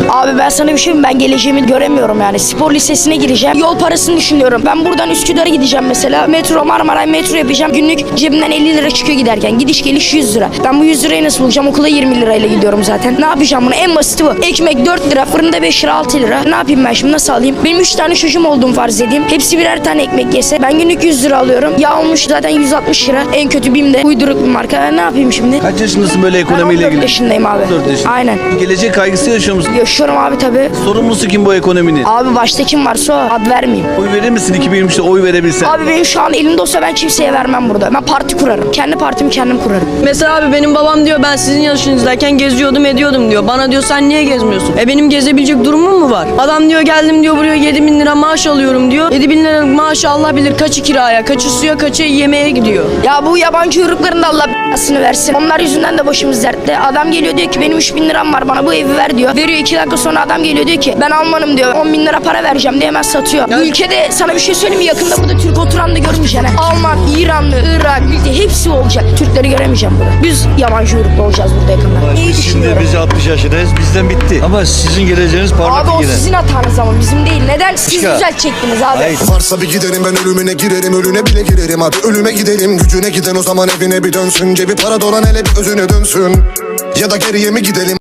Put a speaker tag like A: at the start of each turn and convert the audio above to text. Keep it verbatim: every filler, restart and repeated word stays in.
A: Abi ben sana bir şey mi? Ben geleceğimi göremiyorum yani. Spor lisesine gireceğim. Yol parasını düşünüyorum. Ben buradan Üsküdar'a gideceğim mesela. Metro, Marmaray metro yapacağım. Günlük cebimden elli lira çıkıyor giderken. Gidiş geliş yüz lira. Ben bu yüz lirayı nasıl bulacağım? Okula yirmi lirayla gidiyorum zaten. Ne yapacağım bunu? En basiti bu. Ekmek dört lira, fırında beş lira, altı lira. Ne yapayım ben şimdi? Nasıl alayım? Benim üç tane çocuğum olduğum farz edeyim. Hepsi birer tane ekmek yese. Ben günlük yüz lira alıyorum. Yağ olmuş zaten yüz altmış lira. En kötü BİM'de. Uyduruk bir marka. Ben ne yapayım şimdi?
B: Kaç yaşındasın böyle
A: Ben
B: ekonomiyle
A: on dört
B: ilgili?
A: yaşındayım abi.
B: on dört yaşında.
A: Aynen.
B: Gelecek kaygısı yaşıyor musun?
A: Yaşıyorum abi tabii.
B: Sorumlusu kim bu ekonominin?
A: Abi başta kim varsa o. Ad vermeyeyim.
B: Oy verir misin iki bin yirmi üçte oy verebilsen?
A: Abi benim şu an elimde olsa ben kimseye vermem burada. Ben parti kurarım. Kendi partimi kendim kurarım.
C: Mesela abi benim babam diyor ben sizin yaşınızdayken geziyordum ediyordum diyor. Bana diyor sen niye gezmiyorsun? E benim gezebilecek durumum mu var? Adam diyor geldim diyor buraya yedi bin lira maaş alıyorum diyor. yedi bin lira maaşı Allah bilir kaçı kiraya, kaçı suya, kaçı yemeğe gidiyor.
A: Ya bu yabancı uyrukların da Allah belasını versin. Onlar yüzünden de başımız dertte. Adam geliyor diyor ki benim üç bin liram var bana bu evi ver diyor. Veriyor iki dakika sonra adam geliyor diyor ki ben Almanım diyor. on bin lira para vereceğim diye hemen satıyor. Bu ülkede sana bir şey söyleyeyim mi? Yakında burada Türk oturan da görmeyeceksin. ha. Alman, İranlı, Irak, ülke hepsi olacak. Türkleri göremeyeceğim burada. Biz yabancı uyruklu olacağız burada yakında. İyi
D: Biz şimdi
A: düşünüyorum.
D: biz altmış yaşındayız. Bizden bitti. Ama sizin geleceğiniz parlak
A: Abi o
D: yine.
A: sizin hatanız ama bizim değil. Neden? Siz
D: Başka.
A: düzeltecektiniz abi.
D: Hayır.
E: Varsa bir giderim ben ölümüne girerim, ölüne bile girerim. Hadi ölüme gidelim, gücüne giden o zaman evine bir dönsün. Cebi para dolan hele bir özüne dönsün. Ya da geriye mi gidelim?